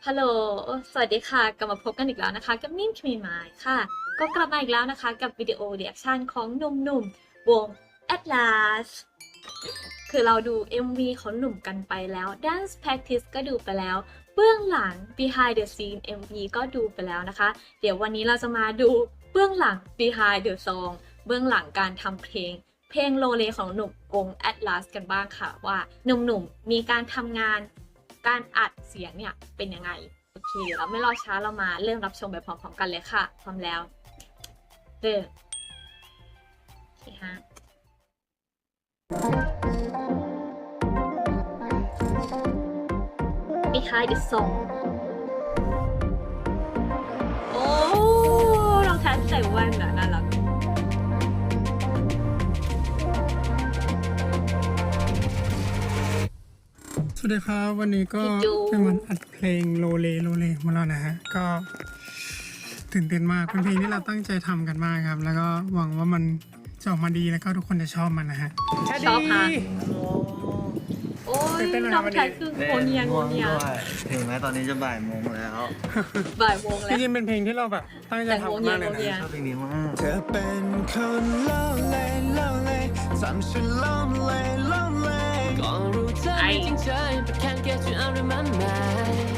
ฮัลโหลสวัสดีค่ะ กลับมาพบกันอีกแล้วนะคะกับนิ่มคิมีไมล์ค่ะ ก็กลับมาอีกแล้วนะคะกับวิดีโอเรีแอคชั่นของหนุ่มๆวง Atlas คือเราดู MV ของหนุ่มกันไปแล้ว Dance Practice ก็ดูไปแล้ว เบื้องหลัง Behind the Scene MV ก็ดูไปแล้วนะคะ เดี๋ยววันนี้เราจะมาดูเบื้องหลัง Behind the Song เบื้องหลังการทำเพลงโลเลของหนุ่มวง Atlas กันบ้างค่ะว่าหนุ่มๆมีการทำงานการอัดเสียงเนี่ยเป็นยังไงโอเคเราไม่รอช้าเรามาเริ่มรับชมไปพร้อมๆกันเลยค่ะพร้อมแล้วเริ่มโอเคฮะ Behind the Song โอ้รองเท้าใส่แว่นน่ะน่ารักสวัสดีครับวันนี้ก็เป็นวันอัดเพลงโลเลมาแล้วนะฮะก็ตื่นเต้นมากเป็นเพลงที่เราตั้งใจทำกันมากครับแล้วก็หวังว่ามันจะออกมาดีแล้วก็ทุกคนจะชอบมันนะฮะชอบค่ะโอ้ยน้องชายคือโงเนียถึงแม้ตอนนี้จะบ่ายโมงแล้วบ่ายโมงแล้วจริงๆเป็นเพลงที่เราแบบตั้งใจทำมากเลยนะชอบเพลงนี้มากเธอเป็นคนโลเลทำฉันโลเลก็รู้เธอไม่จริงใจ but can't get you out of my mind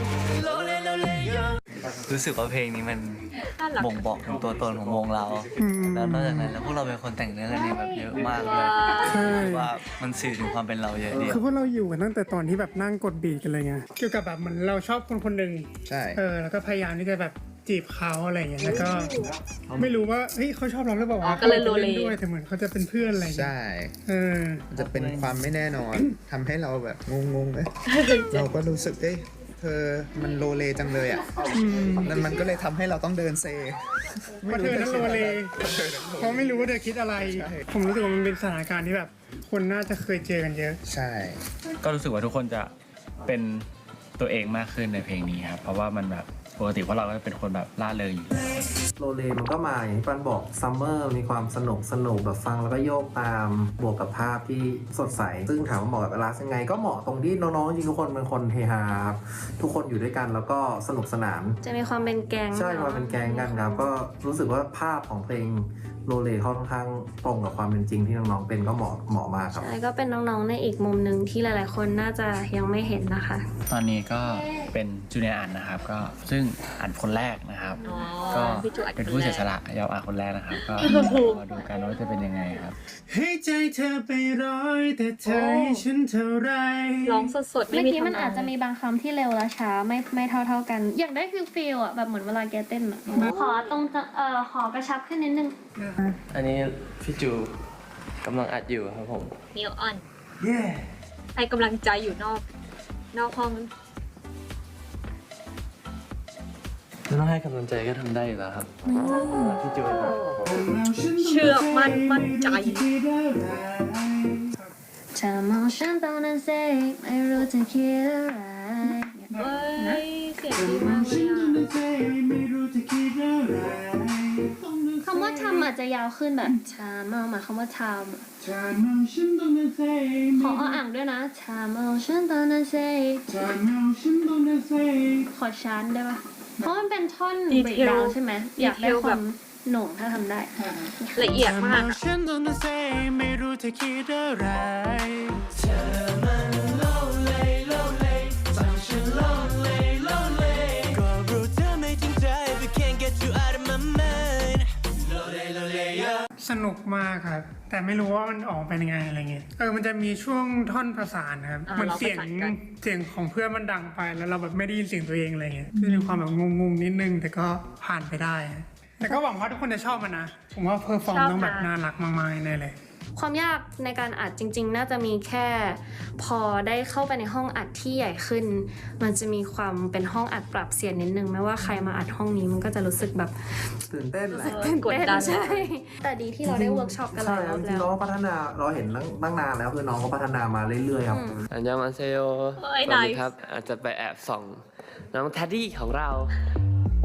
รู้สึกว่าเพลงนี้มันบ่งบอกถึงตัวตนของวงเรา แล้วนอกจากนั้นแล้วพวกเราเป็นคนแต่งเนื้อกันเองแบบเยอะมากเลยว่ามันสื่อถึงความเป็นเราเยอะดีคือพวกเราอยู่กันตั้งแต่ตอนที่แบบนั่งกดบีทกันเลยไงเกี่ยวกับแบบเหมือนเราชอบคนคนหนึ่งใช่แล้วก็พยายามที่จะแบบจีบเขาอะไรอย่างเงี้ยแล้วก็ไม่รู้ว่าเฮ้ยเขาชอบเราหรือเปล่าก็เลยโลเลด้วยแต่เหมือนเขาจะเป็นเพื่อนอะไรอย่างเงี้ยใช่ จะเป็นความไม่แน่นอน ทำให้เราแบบงงเลยเราก็รู้สึกเธอมันโลเลจังเลยอ่ะนั่นมันก็เลยทำให้เราต้องเดินเซเพราะเธอนั้นโลเลเพราะไม่รู้ว่าเธอคิดอะไร ผมรู้สึกว่ามันเป็นสถานการณ์ที่แบบคนน่าจะเคยเจอกันเยอะใช่ก็รู้สึกว่าทุกคนจะเป็นตัวเองมากขึ้นในเพลงนี้ครับเพราะว่ามันแบบปกติพวกเราก็เป็นคนแบบล่าเริงอยู่โรเลมันก็มาอย่างที่ปันบอกซัมเมอร์มีความสนุกแบบฟังแล้วก็โยกตามบวกกับภาพที่สดใส ซึ่งถามว่าเหมาะกับเวลายังไง ก็เหมาะตรงที่น้องๆจริงทุกคนเป็นคนเฮฮาครับทุกคนอยู่ด้วยกันแล้วก็สนุกสนานจะมีความเป็นแก๊งใช่ความเป็นแก๊งกันครับก็รู้สึกว่าภาพของเพลงโรเลค่อนข้างตรงกับความเป็นจริงที่น้องๆเป็นก็เหมาะมากครับใช่ก็เป็นน้องๆในอีกมุมหนึ่งที่หลายๆคนน่าจะยังไม่เห็นนะคะตอนนี้ก็เป็นจูเนียร์อันนะครับก็ซึ่งอันคนแรกนะครับ ก็เป็นผู้เสียสละยอมอันคนแรกนะครับก็มาดูกันว่าจะเป็นยังไงครับให้ใจเธอไปร้อยแต่เธอให้ฉันเท่าไรร้องสดๆไม่เมื่อมีกี้มันทำอาจจะมีบางคำที่เร็วและช้าไม่เท่ากัน อย่างได้ฟิลอ่ะแบบเหมือนเวลาแกเต้นอ่ะขอตรงขอกระชับขึ้นนิดนึงอันนี้พี่จูกำลังอัดอยู่ครับผมนิวออนให้กำลังใจอยู่นอกห้องไม่ต้องให้กำลังใจก็ทำได้อยู่แล้วครับพี่จูครับเชื่อมั่นใจเธอมองฉันตรงนั้นสิไม่รู้จะคิดอะไรเอ้ยเสียงดีมากเลยอ่ะคำว่าทำอาจจะยาวขึ้นแบบชามองมาคำว่าทำอะขออ่างด้วยนะชามองฉันตอนนั้นสิขอชานได้ปะเพราะมันเป็นท่อนเบรกดาวน์ใช่ไหมอยากได้ความหน่วงถ้าทำได้ละเอียดมากอะฉันต้องเซไม่รู้จะคิดอะไรเธอมันโลเลทำฉันโลเลก็รู้เธอไม่จริงใจ but can't get you out of my mind โลเลสนุกมากครับ แต่ไม่รู้ว่ามันออกเป็นยังไงอะไรเงี้ยมันจะมีช่วงท่อนประสานนะครับเหมือนเสียงของเพื่อนมันดังไปแล้วเราแบบไม่ได้ยินเสียงตัวเองอะไรเงี้ยจะมีความแบบงงๆนิดนึงแต่ก็ผ่านไปได้ แต่ก็หวังว่าทุกคนจะชอบมันนะผมว่าเพอร์ฟอร์มต้องแบบน่ารักมากๆแน่เลยความยากในการอัดจริงๆ น่าจะมีแค่พอได้เข้าไปในห้องอัดที่ใหญ่ขึ้น มันจะมีความเป็นห้องอัดปรับเสียงนิดนึงไม่ว่าใครมาอัดห้องนี้มันก็จะรู้สึกแบบตื่นเต้นแหละกดดันใช่แต่ดีที่เราได้เวิร์กช็อปกันหใช่ลายรอบจริแล้งๆวน้องก็พัฒนาเราเห็นตั้งนานแล้วคือน้องก็พัฒนามาเรื่อยๆครับอันยองอันเซโยเอ้ยสวัสดี nice ครับอาจจะไปแอบส่องน้องแทดดี้ของเรา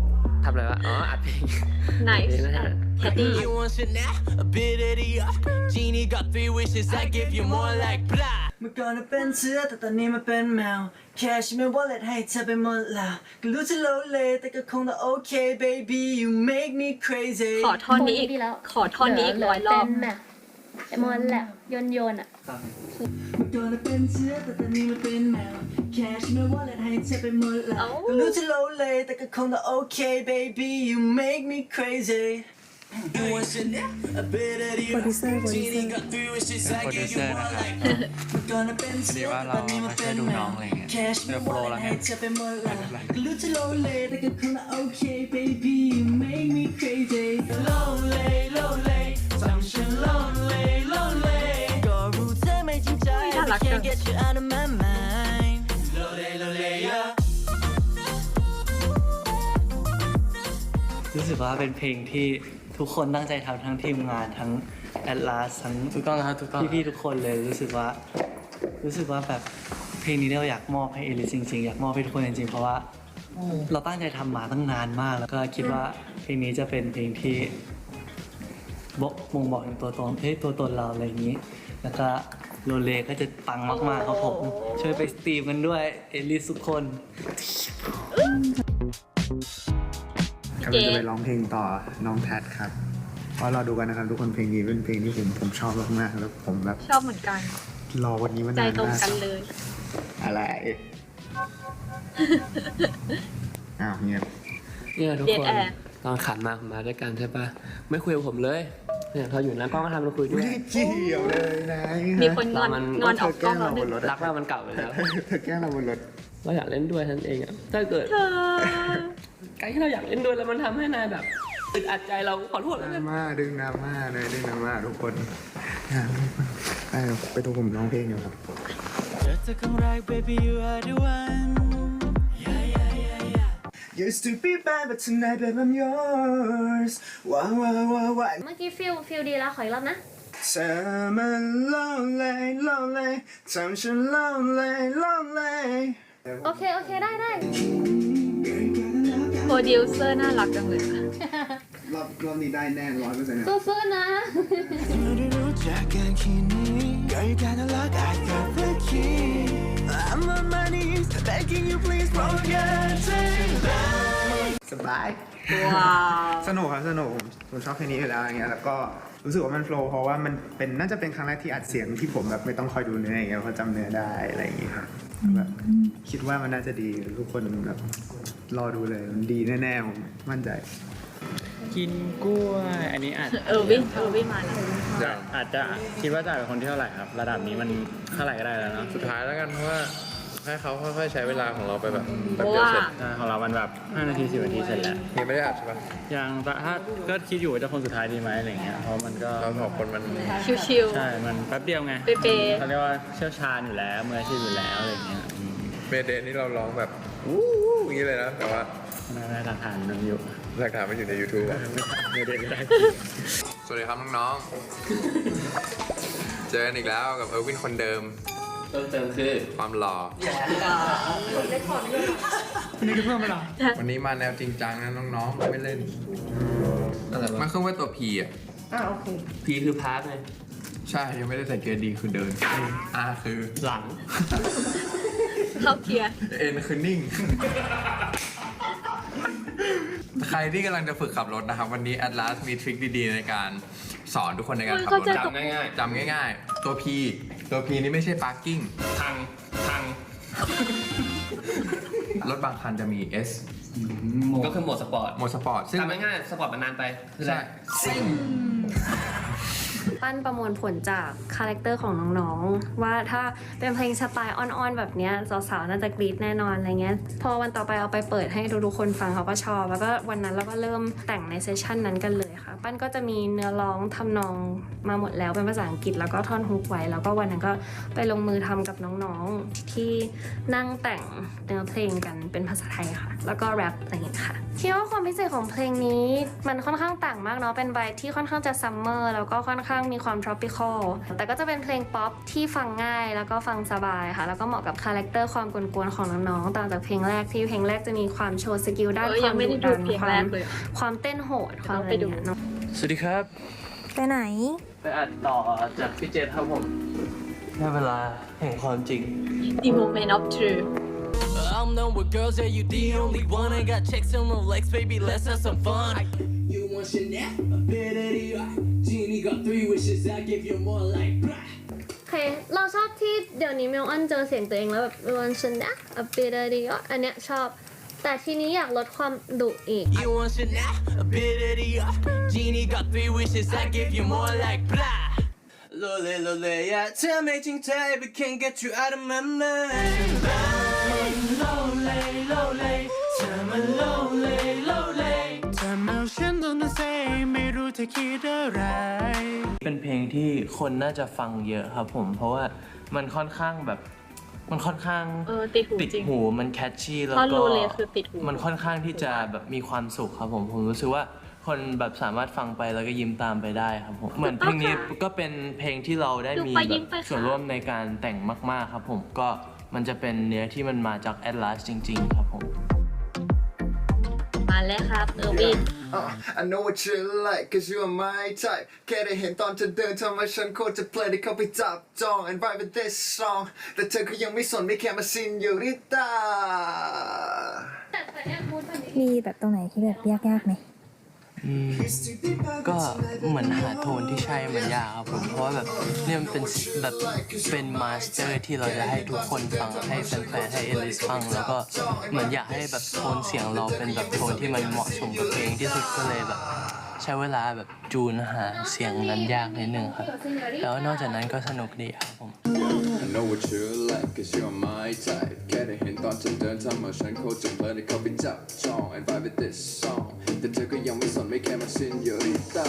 ทำอะไรวะอ๋ออัดเพลง nice นะฮะ Teddy You want Chanel, a bit of the Genie got 3 wishes, I give you more like blah. เมื่อก่อนเป็นเสือแต่ตอนนี้มาเป็นแมวแค่ฉันไม่ wallet ให้เธอไปหมดแล้วก็รู้จะโลเลแต่ก็คงต้องโอเค baby you make me crazy ขอท่อนนี้อีกดีแล้วขอท่อนนี้อีก100 รอบเป็นแบบไอ้มอนแหละโยนอ่ะเมื่อก่อนเป็นเสือแต่ตอนนี้มาเป็นแมวแค่ฉันไม่ wallet ให้เธอไปหมดแล้วเอ้าก็รู้จะโลเลแต่ก็คงต้องโอเค baby you make me crazy You want Chanel, a bit of the Genie got 3 wishes, เป็น I โปรดิว give เซอ you ร์นะ more ครับ like เมื่อก่อนเป็นพอเสืดีอว่าแต่เราตอนนี้มามาเป็ช่วยนดูแมน้อวงอะไรอย่างเงี้ยแค่ฉันเจไม่อโปร wallet แล้วไงให้เธอไปหมดแล้วก็รู้จะโลเลแต่ก็คงต้องโอเค baby you make me crazy Lonely, lonely, ทำฉัน lonely, lonely ก็รู้เธอไม่จริงใจน่ารั but กจัง can't get you out of my mind Lonely, lonely, yeah รู้สึกว่าเป็นเพลงที่ทุกคนตั้งใจทำทั้งทีมงานทั้ง Atlas ทั้งถูกต้องนะครับถูกต้องพี่ๆทุกคนเลยรู้สึกว่าแบบเพลงนี้เราอยากมอบให้เอลิสจริงๆอยากมอบให้ทุกคนจริงๆเพราะว่าเราตั้งใจทำมาตั้งนานมาก แล้วก็คิดว่าเพลงนี้จะเป็นเพลงที่บ่งบอกถึงตัวตนเราอะไรอย่างนี้ แล้วก็โรเลก็จะปังมากๆครับผมช่วยไปสตรีมกันด้วยเอลิสทุกคนกำลังจะไปร้องเพลงต่อน้องแพทครับเพราะเราดูกันนะครับทุกคนเพลงนี้เป็นเพลงที่ผมชอบมากๆแล้วผมแบบชอบเหมือนกันรอวันนี้มาใจนานตรงมากกันเลยอะไรอ้าวเงียบเนี่ยทุกเดทคนแอร์ตอนขับมาผมมาด้วยกันใช่ปะไม่คุยกับผมเลยเนี่ยพออยู่นั้นกล้องก็ทำเราคุยด้วไม่ยได้เกี่ยวเลยนะมีคนงอนมันงอนออกกล้องเราแล้วหบนึ่นงรถรักเรามันเก่าไปแล้วเธอแกล้งเราบนรถเราอยากเล่นด้วยท่านเองอะถ้าเกิดเธอการที่เราอยากเล่นด้วยแล้วมันทำให้นายแบบอึดอัดใจเราขอโทษดแล้วรากันม่าดึงดราม่าเลยดึงดราม่าทุกคนไปดูผมร้องเพลงอยู่ครับเจอเธอครั้งแรก baby you are the one Used to be bad but tonight babe I'm yours ว้าวว้าวว้าวว้าวเมื่อกี้ฟิลดีแล้วขออีกรอบนะเธอมัน lonely lonely ทำฉัน lonely lonely โอเคได้โปรดิวเซอร์น่ารักจังเลยค่ะรอบนี้ได้แน่100%นะสู้ๆนะไม่ได้รู้จักกันแค่นี้ Girl you gotta look I got the key I'm on my knees begging you please forget it สบายว้าวสนุกครับสนุกผมชอบเพลงนี้อยู่แล้วอย่างเงี้ยแล้วก็รู้สึกว่ามันโฟล์เพราะว่ามันเป็นน่าจะเป็นครั้งแรกที่อัดเสียงที่ผมแบบไม่ต้องคอยดูเนื้ออย่างเงี้ยเพราะจำเนื้อได้อะไรอย่างเงี้ยครับแบบคิดว่ามันน่าจะดีทุกคนแบบรอดูเลยมันดีแน่ๆผมมั่นใจกินกล้วยอันนี้อาจวินมาแล้วอาจจะคิดว่าจะเป็นคนที่เท่าไหร่ครับ ระดับนี้มันเท่าไหร่ก็ได้แล้วเนาะสุดท้ายแล้วกันเพราะว่าให้เขาค่อยๆใช้เวลาของเราไปแบบเพแป๊บราะเดียวว่าเสร็จของเรามันแบบ5 นาที 10 นาทีเสร็จแล้วยังไม่ได้อัดใช่ปะยังแต่ถ้าก็คิดอยู่ว่าจะคนสุดท้ายดีไหมอะไรเงี้ยเพราะมันก็เราสองคนมันชิวใช่มันแป๊บเดียวไงเป๊ะๆเขาเรียกว่าเชี่ยวชาญอยู่แล้วมืออาชีพอยู่แล้วอะไรเงี้ยเมเดนนี่เราร้องแบบวู้อย่างนี้เลยนะ แต่ว่าน่าจะทานมันอยู่หลักฐานมันอยู่ใน YouTube อะไม่ได้ก็ได้สวัสดีครับน้องๆ เจอกันอีกแล้วกับเออร์วินคนเดิมเติมคือความหล่ออันนี้คือเพิ่มเวลาวันนี้มาแนวจริงจังนะน้องๆ ไม่เล่นมันขึ้นว่าตัว P อ่ะพีคือพาร์ทเลยใช่ ยังไม่ได้ใส่เกียร์ดีคือเดิน R คือหลังเข้าเกียร์ N คือนิ่ง ใครที่กำลังจะฝึกขับรถนะครับ วันนี้ Atlas มีทริคดีๆในการสอนทุกคนในการขับรถจำง่ายจำง่ายๆ ตัว P นี่ไม่ใช่ parking ๆทางรถบางคันจะมี S ก็คือโหมดสปอร์ตโหมดสปอร์ตซึ่งทำง่ายๆสปอร์ตมันนานไปคืออะไรใช่ปั้นประมวลผลจากคาแรคเตอร์ของน้องๆ ว่าถ้าเป็นเพลงสไตล์อ่อนๆ แบบเนี้ยสาวๆ น่าจะกรี๊ดแน่นอนอะไรเงี้ย พอวันต่อไปเอาไปเปิดให้ทุกๆคนฟังเขาก็ชอบ แล้วก็วันนั้นเราก็เริ่มแต่งในเซสชันนั้นกันเลยค่ะปั้นก็จะมีเนื้อร้องทำนองมาหมดแล้วเป็นภาษาอังกฤษแล้วก็ท่อนฮุกไว้แล้วก็วันนั้นก็ไปลงมือทำกับน้องๆที่นั่งแต่งเนื้อเพลงกันเป็นภาษาไทยค่ะแล้วก็แรปอะไรอย่างเงี้ยค่ะคิดว่าความพิเศษของเพลงนี้มันค่อนข้างต่างมากเนาะเป็นไวท์ที่ค่อนข้างจะซัมเมอร์แล้วก็ค่อนข้างมีความ tropical แต่ก็จะเป็นเพลงป๊อปที่ฟังง่ายแล้วก็ฟังสบายค่ะแล้วก็เหมาะกับคาแรคเตอร์ความกวนๆของน้องๆต่างจากเพลงแรกที่เพลงแรกจะมีความโชว์สกิลด้านความดุดันความเต้นโหดความอะไรอย่างเงี้ยเนาะสวัสดีครับไปไหนไปอัดต่อจากพี่เจษครับผมได้เวลาแห่งความจริง The moment of truth I'm done with girls, yeah, you the only one. I got checks on my legs, baby, let's have some fun. You want Chanel? A bit of the art. Genie got 3 wishes, I give you more like blah. โอเคเราชอบที่เดี๋ยวนี้เมลออนเจอเสียงตัวเองแล้วแบบวันฉันนะอเปเดริโออันเนี้ยชอบแต่ทีนี้อยากลดความดุอีก You want Chanel? A bit of the art. Genie got 3 wishes, I give you more like blah. Lole, lole, yeah, tell me จริงใจ but can't get you out of my mind. Lole, lole, tell me lole, lole. แต่เมื่อฉันต้องเซไม่รู้จะคิดอะไรเป็นเพลงที่คนน่าจะฟังเยอะครับผมเพราะว่ามันค่อนข้างแบบมันค่อนข้างติดหูติดจริงหูมันแคชชี่แล้วท่อนก็โลเลคือติดหูมันค่อนข้างที่จะแบบมีความสุขครับผมรู้สึกว่าคนแบบสามารถฟังไปแล้วก็ยิ้มตามไปได้ครับผมเหมือนเพลงนี้ก็เป็นเพลงที่เราได้มีแบบส่วนร่วมในการแต่งมากๆครับผมก็มันจะเป็นเนื้อที่มันมาจาก Atlas จริงๆครับผมมาแล้วครับวิน I know what you like cause you are my type แค่ได้เห็นตอนเธอเดินทำให้ฉันโคตรจะเพลินที่เข้าไปจับจอง and vibe with this song แต่เธอก็ยังไม่สนไม่แค่มาซินอยู่ริตามีแบบตรงไหนที่แบบยากๆไหมก็เหมือนหาโทนที่ใช่มันยากครับผมเพราะว่าแบบเนี่ยมันเป็นแบบเป็นมาสเตอร์ที่เราจะให้ทุกคนฟังให้แฟนๆให้เอลิสฟังแล้วก็เหมือนอยากให้แบบโทนเสียงเราเป็นแบบโทนที่มันเหมาะสมกับเพลงที่สุดก็เลยแบบใช้เวลาแบบจูนหาเสียงนั้นยากนิดนึงครับแล้วนอกจากนั้นก็สนุกดีครับผม I know what you like cause you are my type แค่ได้เห็นตอนเธอเดินทำให้ฉันโคตรจะเพลินที่เข้าไปจับจอง and vibe with this song แต่เธอก็ยังไม่สนไม่แค่มาซินอยู่ริตา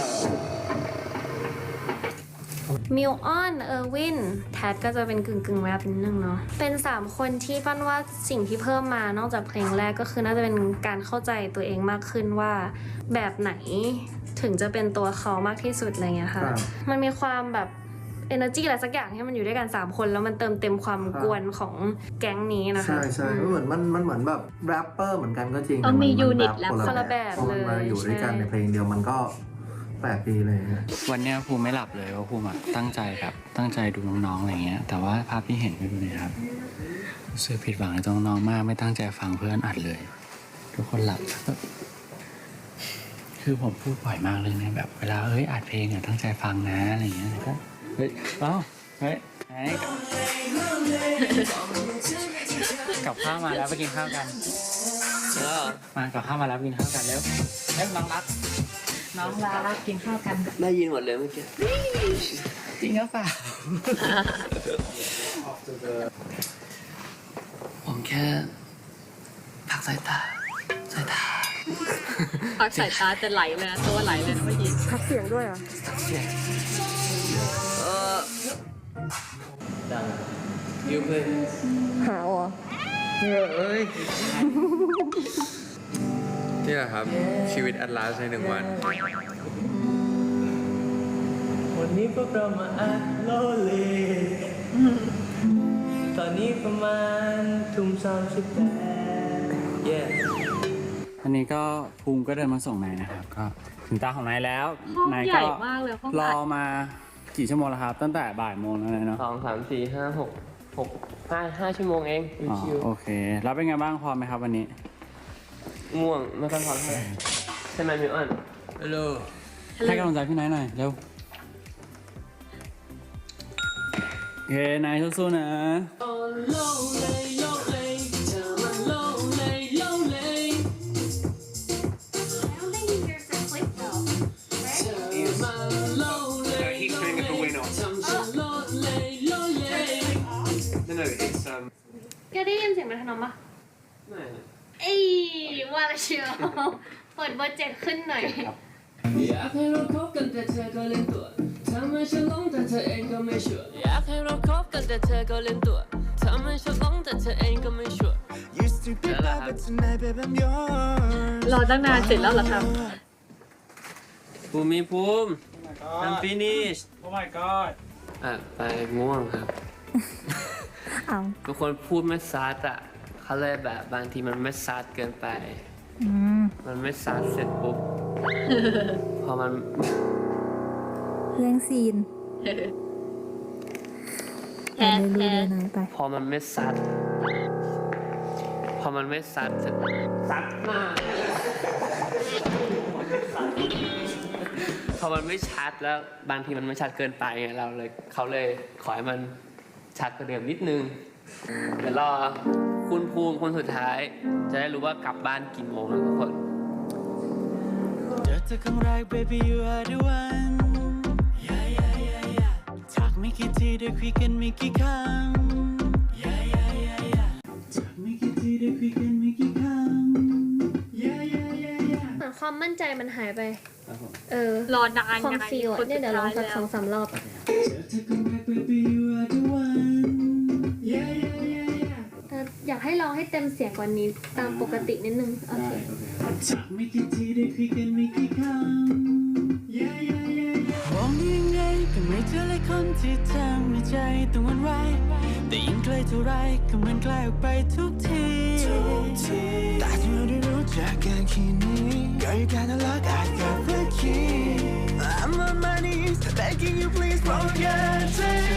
มิลออนเออร์วินแทดก็จะเป็นกึ่งแรปนิดนึงเนาะเป็น3คนที่ปั้นว่าสิ่งที่เพิ่มมานอกจากเพลงแรกก็คือน่าจะเป็นการเข้าใจตัวเองมากขึ้นว่าแบบไหนถึงจะเป็นตัวเขามากที่สุดอะไรเงี้ยค่ะมันมีความแบบ energy อะไรสักอย่างที่มันอยู่ด้วยกัน3คนแล้วมันเติมเต็มความกวนของแก๊งนี้นะคะใช่เหมือนมันเหมือนแบบแรปเปอร์เหมือนกันก็จริงต้องมีแต่ยูนิตมัแรปคนละแบบพอมันมาอยู่ด้วยกันในเพลงเดียวมันก็แปลกดีเลยวันเนี้ยภูมิไม่หลับเลยว่าภูมิตั้งใจแบบตั้งใจดูน้องๆอะไรเงี้ยแต่ว่าภาพที่เห็นไม่ดูเลยครับรู้สึกผิดหวังในตัวน้องๆมากไม่ตั้งใจฟังเพื่อนอัดเลย ทุกคนหลับคือผมพูดบ่อยมากเลยเนี่ยแบบเวลาอัดเพลงตั้งใจฟังนะอะไรเงี้ยก็กับข้าวมาแล้วไปกินข้าวกันมากับข้าวมาแล้วกินข้าวกันแล้วน้องรักกินข้าวกันได้ยินหมดเลยเมื่อกี้จริงหรือเปล่าผมแค่พักสายตาพักสายตาจะไหลเลยนะตัวไหลเลยนะเมื่อกี้พักเสียงด้วยเหรอดังยูเพนหาอ๋อนี่แหละครับชีวิต Atlas ใน1 วันวันนี้พวกเรามาอัดโลเลตอนนี้ประมาณทุ่ม38 อันนี้ก็ภูมิก็เดินมาส่งนายนะครับก็ถึงตาของนายแล้วห้องนายใหญ่ก็มากเลยห้องรออัดมากี่ชั่วโมงแล้วครับตั้งแต่บ่ายโมงแล้วเนาะ 2 3 4 5 6 5 ชั่วโมงเองอ๋อชิวโอเคแล้วเป็นไงบ้างพอไหมครับวันนี้ๆง่วงไม่ค่อยพอเท่าไหร่ใช่ไหมมิวอันฮัลโหลให้กำลังใจพี่นายหน่อยเร็วโอเคนายสู้ๆนะแกได้ยินเสียงมันทนอมปะไม่เอ้ยว่าละเชียวเปิดเบอร์7ขึ้นหน่อย Yeah อยากให้เราคบกันแต่เธอก็เล่นตัวทำให้ฉันหลงแต่เธอเองก็ไม่ชัวร์อยากให้เราคบกันแต่เธอก็เล่นตัวทำให้ฉันหลงแต่เธอเองก็ไม่ชัวร์ Used to be bad but tonight babe I'm yours รอตั้งนานเสร็จแล้วเหรอครับภูมิI'm finished Oh my god ไปง่วงครับเอาบางคนพูดไม่ซัดอ่ะเขาเลยแบบบางทีมันไม่ซัดเกินไปอืมมันไม่ซัดเสร็จปุ๊บ พอมันเรื่องซีนแพ้ดูแพ้น้อยไปพอมันไม่ซัดเสร็จซัดมากพอมันไม่ชัดแล้วบางทีมันไม่ชัดเกินไปไงเขาเลยขอให้มันชัดกว่าเดิมนิดนึงเดี๋ยวรอคุณภูมิคนสุดท้าย จะได้รู้ว่ากลับบ้านกี่โมงนะทุกคนเจอเธอครั้งแรก baby you are the one yeah yeah yeah yeah จากไม่กี่ทีได้คุยกันไม่กี่ครั้ง yeah yeah yeah yeah จากไม่กี่ทีได้คุยกันไม่กี่ครั้ง yeah yeah yeah yeah เหมือนความมั่นใจมันหายไปรอนานความไงฟีลคนเนี่ยสุเดี๋ยวลองท้ายสักแล้ว 2-3 รอบอะเจอเธอครั้งแรก baby you are the one yeah yeah yeah yeah อยากให้ลองให้เต็มเสียงกว่านี้ตามปกตินิดนึง โอเคจากไม่กี่ทีได้คุยกันไม่กี่ครั้ง yeah yeah yeah yeah มองได้ยังไงก็ไม่เจอเลยคนที่ทำให้ใจต้องหวั่นไหวแต่ยิ่งใกล้เท่าไรก็เหมือนใกล้ออกไปทุกทีแต่ที่เราได้รู้จักกันแค่นี้ Girl you gotta look I got the key I'm on my knees begging you please won't get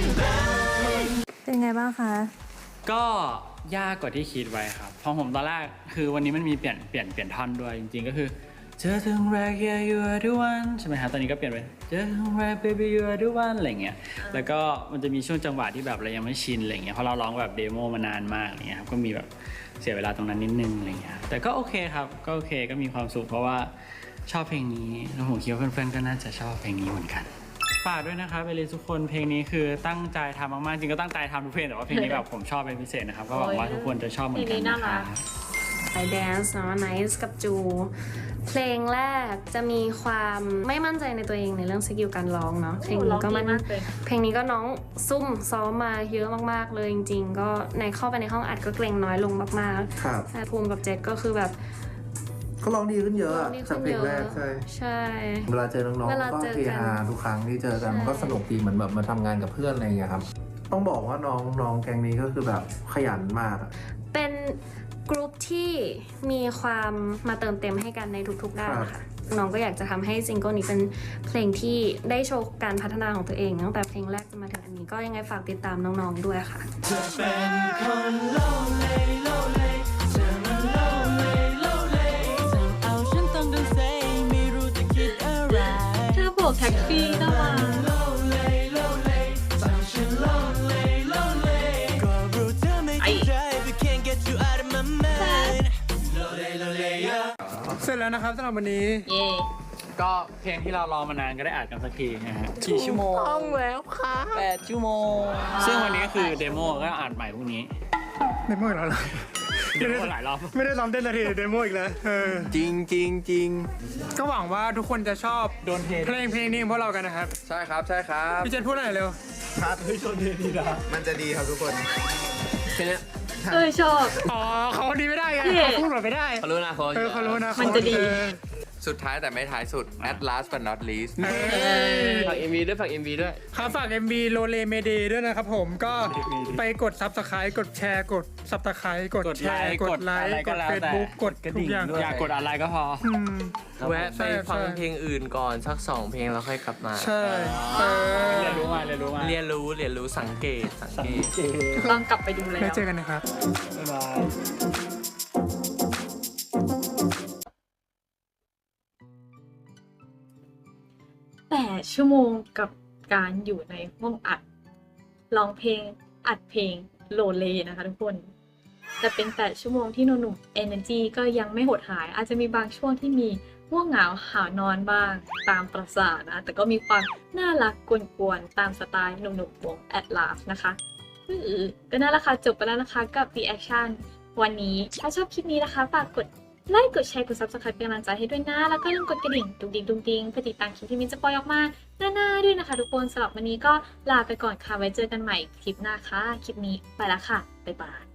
it เป็นไงบ้างคะก็ยากกว่าที่คิดไว้ครับเพราะผมตอนแรกคือวันนี้มันมีเปลี่ยนท่อนด้วยจริงๆก็คือเจอถึงแรก yeah you are the one ใช่ไหมฮะตอนนี้ก็เปลี่ยนเป็นเจอถึงแรก baby you are the one อะไรเงี้ยแล้วก็มันจะมีช่วงจังหวะที่แบบเรายังไม่ชินอะไรเงี้ยเพราะเราร้องแบบเดโมมานานมากอะไรเงี้ยครับก็มีแบบเสียเวลาตรงนั้นนิดนึงอะไรเงี้ยแต่ก็โอเคครับก็โอเคก็มีความสุขเพราะว่าชอบเพลงนี้แล้วผมคิดว่าเพื่อนๆก็น่าจะชอบเพลงนี้เหมือนกันฝากด้วยนะครับเอลิสทุกคนเพลงนี้คือตั้งใจทำมากๆจริงก็ตั้งใจทำทุกเพลงแต่ว่าเพลงนี้แบบผมชอบเป็นพิเศษนะครับก็หวังว่าทุกคนจะชอบเหมือนกันนะครับไอแดนซ์เนาะ Nice กับจู เพลงแรกจะมีความไม่มั่นใจในตัวเองในเรื่องสกิลการร้องเนาะเพลงนี้ก็เพลงนี้ก็น้องซุ่มซ้อมมาเยอะมากๆเลยจริงๆก็เข้าไปในห้องอัดก็เกรงน้อยลงมากๆครับแต่ภูมิกับเจษก็คือแบบก็ร้องดีขึ้นเยอะอะร้องดีขึ้จากนเพลเยงอะแรกใช่ใช่เวลาเจอน้องเวลาๆก็เจอเฮกันฮาทุกครั้งที่เจอกันมันก็สนุกดีเหมือนแบบมาทำงานกับเพื่อนอะไรอย่างเงี้ยครับ ต้องบอกว่าน้องแก๊งนี้ก็คือแบบขยันมากอะเป็นกรุ๊ปที่มีความมาเติมเต็มให้กันในทุกๆด้านค่ะน้องก็อยากจะทำให้ซิงเกิลนี้เป็นเพลงที่ได้โชว์การพัฒนาของตัวเองตั้งแต่เพลงแรกจนมาถึงอันนี้ก็ยังไงฝากติดตามน้องๆด้วยค่ะเธอเป็นคนโลเลโลเลเธอมันโลเลโลเลเธอเอาฉันต้องเดินเซไม่รู้จะคิดอะไรถ้าโบกแท็กซี่ก็มาโลเลโลเลทำฉันโลเลโลเลก็รู้เธอไม่จริงใจ but can't get you out of my mind โลเลโลเลเสร็จแล้วนะครับสำหรับวันนี้เย่ก็เพลงที่เรารอมานานก็ได้อัดกันสักทีนะฮะกี่ชั่วโมงต้องแล้วค่ะ8 ชั่วโมงซึ่งวันนี้ก็คือเดโมก็อัดใหม่พรุ่งนี้เดโมอีกแล้วเหรอเดโมหลายรอบไม่ได้ซ้อมเต้นนาทีเดโมอีกแล้วจริงก็หวังว่าทุกคนจะชอบโดนเทเพลงนี้ของพวกเรากันนะครับใช่ครับพี่เจนพูดหน่อยเร็วครับเฮ้ยโดนเทดีนะมันจะดีครับทุกคนแค่นี้ชอบอ๋อเขาดีไม่ได้ไงเท่เขาพูดแบบไม่ได้เขารู้นะเขารู้นะมันจะดีสุดท้ายแต่ไม่ท้ายสุด at last but not least ฝาก MV ด้วยฝาก MV ด้วยครับฝาก MV โลเลเมเดด้วยนะครับผมก็ไปกด Subscribe กดแชร์กด Subscribe กดแชร์กดไลค์กด Facebook กดทุกอย่างอยากกดอะไรก็พอแวะไปฟังเพลงอื่นก่อนสัก2 เพลงแล้วค่อยกลับมาใช่เรียนรู้มาเรียนรู้สังเกตต้องกลับไปดูแล้วแล้วเจอกันนะครับบ๊ายบาย 8 ชั่วโมงกับการอยู่ในห้องอัดร้องเพลงอัดเพลงโลเลนะคะทุกคนแต่เป็น8 ชั่วโมงที่หนุ่มๆ Energy ก็ยังไม่หดหายอาจจะมีบางช่วงที่มีง่วงเหงาหาวนอนบ้างตามประสานะแต่ก็มีความน่ารักกวนๆตามสไตล์หนุ่มๆวง Atlas นะคะก็นั่นแหละค่ะจบไปแล้วนะคะกับ reaction วันนี้ถ้าชอบคลิปนี้นะคะฝากกดไลค์กดแชร์กด Subscribe เป็นกำลังใจให้ด้วยนะแล้วก็อย่าลืมกดกระดิ่งดุงเพื่อติดตามคลิปที่มินจะปล่อยออกมาหน้าๆด้วยนะคะทุกคนสำหรับวันนี้ก็ลาไปก่อนค่ะไว้เจอกันใหม่คลิปหน้าค่ะคลิปนี้ไปแล้วค่ะบ๊ายบาย